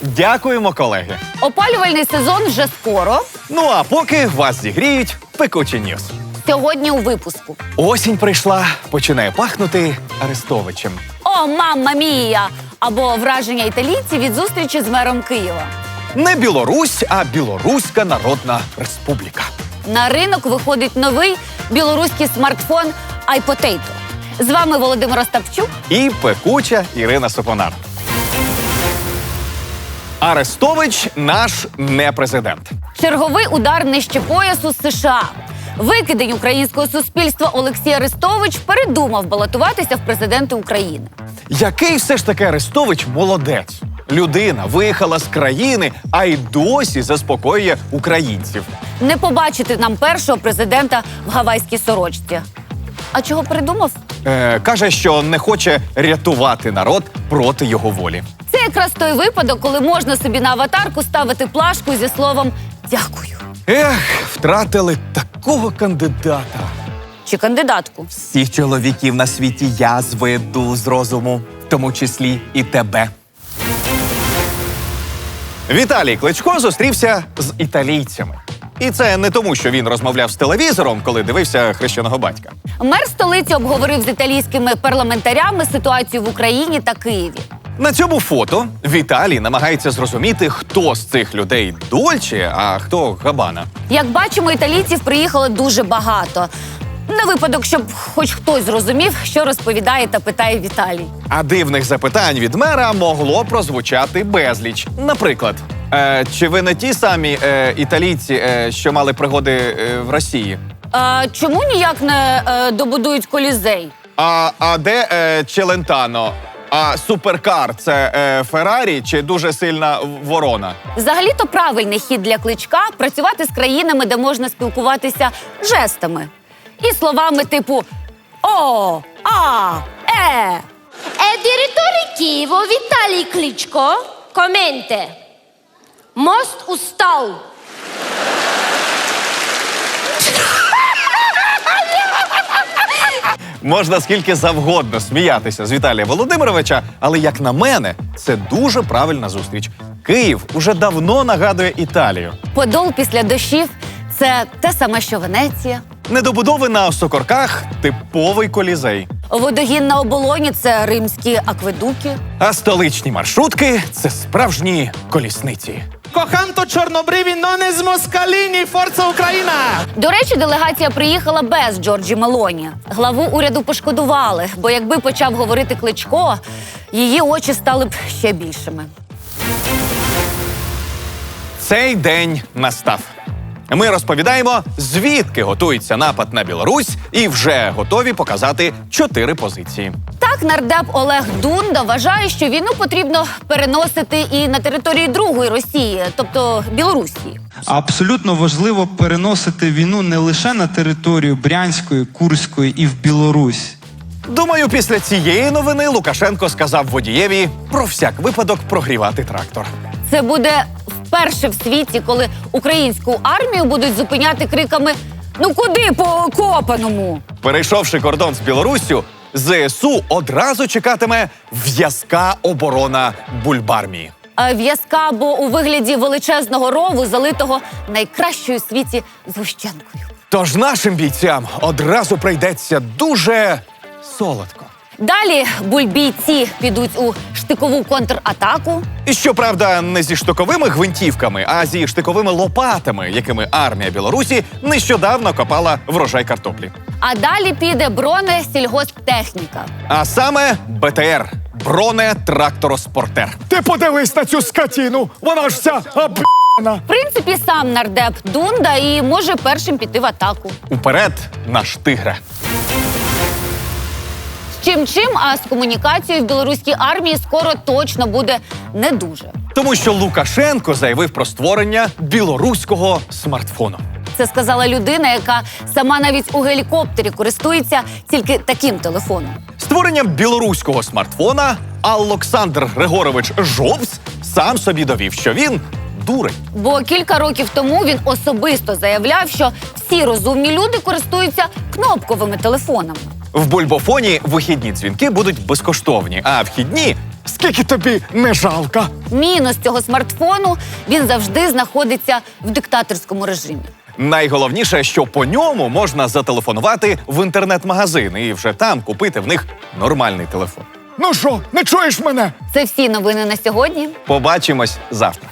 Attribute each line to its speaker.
Speaker 1: Дякуємо, колеги.
Speaker 2: Опалювальний сезон вже скоро.
Speaker 1: Ну а поки вас зігріють пекучі ньюс.
Speaker 2: Сьогодні у випуску.
Speaker 1: Осінь прийшла, починає пахнути Арестовичем.
Speaker 2: О, мамма мія! Або враження італійців від зустрічі з мером Києва.
Speaker 1: Не Білорусь, а Білоруська Народна Республіка.
Speaker 2: На ринок виходить новий білоруський смартфон iPotato. З вами Володимир Остапчук.
Speaker 1: І пекуча Ірина Сопонар. Арестович наш не президент.
Speaker 2: Черговий удар нижче поясу з США. Викидень українського суспільства Олексій Арестович передумав балотуватися в президенти України.
Speaker 1: Який все ж таки Арестович молодець. Людина виїхала з країни, а й досі заспокоює українців.
Speaker 2: Не побачити нам першого президента в гавайській сорочці. А чого передумав?
Speaker 1: Каже, що не хоче рятувати народ проти його волі.
Speaker 2: Це якраз той випадок, коли можна собі на аватарку ставити плашку зі словом «Дякую».
Speaker 1: Втратили такого кандидата.
Speaker 2: Чи кандидатку.
Speaker 1: Всіх чоловіків на світі я зведу з розуму, в тому числі і тебе. Віталій Кличко зустрівся з італійцями. І це не тому, що він розмовляв з телевізором, коли дивився «Хрещеного батька».
Speaker 2: Мер столиці обговорив з італійськими парламентарями ситуацію в Україні та Києві.
Speaker 1: На цьому фото Віталій намагається зрозуміти, хто з цих людей Дольче, а хто Габана.
Speaker 2: Як бачимо, італійців приїхало дуже багато. На випадок, щоб хоч хтось зрозумів, що розповідає та питає Віталій.
Speaker 1: А дивних запитань від мера могло прозвучати безліч. Наприклад, чи ви не ті самі італійці, що мали пригоди в Росії?
Speaker 2: Чому ніяк не добудують Колізей?
Speaker 1: А де Челентано? А суперкар – це Феррарі чи дуже сильна ворона?
Speaker 2: Взагалі-то правильний хід для Кличка – працювати з країнами, де можна спілкуватися жестами. І словами типу «О», «А», «Е».
Speaker 3: E direttore Києва Віталій Кличко коменте. Мост устал.
Speaker 1: Можна скільки завгодно сміятися з Віталія Володимировича, але, як на мене, це дуже правильна зустріч. Київ уже давно нагадує Італію.
Speaker 2: Подол після дощів – це те саме, що Венеція.
Speaker 1: Недобудови на Осокорках – типовий Колізей.
Speaker 2: Водогін на Оболоні – це римські акведуки.
Speaker 1: А столичні маршрутки – це справжні колісниці.
Speaker 4: Коханто чорнобриві, но не з москаліні, форца Україна!
Speaker 2: До речі, делегація приїхала без Джорджі Мелоні. Главу уряду пошкодували, бо якби почав говорити Кличко, її очі стали б ще більшими.
Speaker 1: Цей день настав. Ми розповідаємо, звідки готується напад на Білорусь, і вже готові показати 4 позиції.
Speaker 2: Так, нардеп Олег Дунда вважає, що війну потрібно переносити і на території другої Росії, тобто Білорусі.
Speaker 5: Абсолютно важливо переносити війну не лише на територію Брянської, Курської і в Білорусь.
Speaker 1: Думаю, після цієї новини Лукашенко сказав водієві про всяк випадок прогрівати трактор.
Speaker 2: Це буде вперше в світі, коли українську армію будуть зупиняти криками «Ну куди по окопаному?».
Speaker 1: Перейшовши кордон з Білоруссю, ЗСУ одразу чекатиме в'язка оборона Бульбармії.
Speaker 2: В'язка, бо у вигляді величезного рову, залитого найкращою у світі згущенкою.
Speaker 1: Тож нашим бійцям одразу прийдеться дуже солодко.
Speaker 2: Далі бульбійці підуть у штикову контратаку.
Speaker 1: І щоправда, не зі штиковими гвинтівками, а зі штиковими лопатами, якими армія Білорусі нещодавно копала врожай картоплі.
Speaker 2: А далі піде бронесільгосптехніка.
Speaker 1: А саме БТР – бронетрактороспортер.
Speaker 6: Ти подивись на цю скотину, вона ж вся об'єна.
Speaker 2: В принципі, сам нардеп Дунда і може першим піти в атаку.
Speaker 1: Уперед, наш тигре!
Speaker 2: Чим, а з комунікацією в білоруській армії скоро точно буде не дуже.
Speaker 1: Тому що Лукашенко заявив про створення білоруського смартфону.
Speaker 2: Це сказала людина, яка сама навіть у гелікоптері користується тільки таким телефоном.
Speaker 1: Створенням білоруського смартфона Олександр Григорович Жовс сам собі довів, що він дурень.
Speaker 2: Бо кілька років тому він особисто заявляв, що всі розумні люди користуються кнопковими телефонами.
Speaker 1: В Бульбофоні вихідні дзвінки будуть безкоштовні, а вхідні
Speaker 6: Скільки тобі не жалко?
Speaker 2: Мінус цього смартфону – він завжди знаходиться в диктаторському режимі.
Speaker 1: Найголовніше, що по ньому можна зателефонувати в інтернет-магазин і вже там купити в них нормальний телефон.
Speaker 6: Ну що, не чуєш мене?
Speaker 2: Це всі новини на сьогодні.
Speaker 1: Побачимось завтра.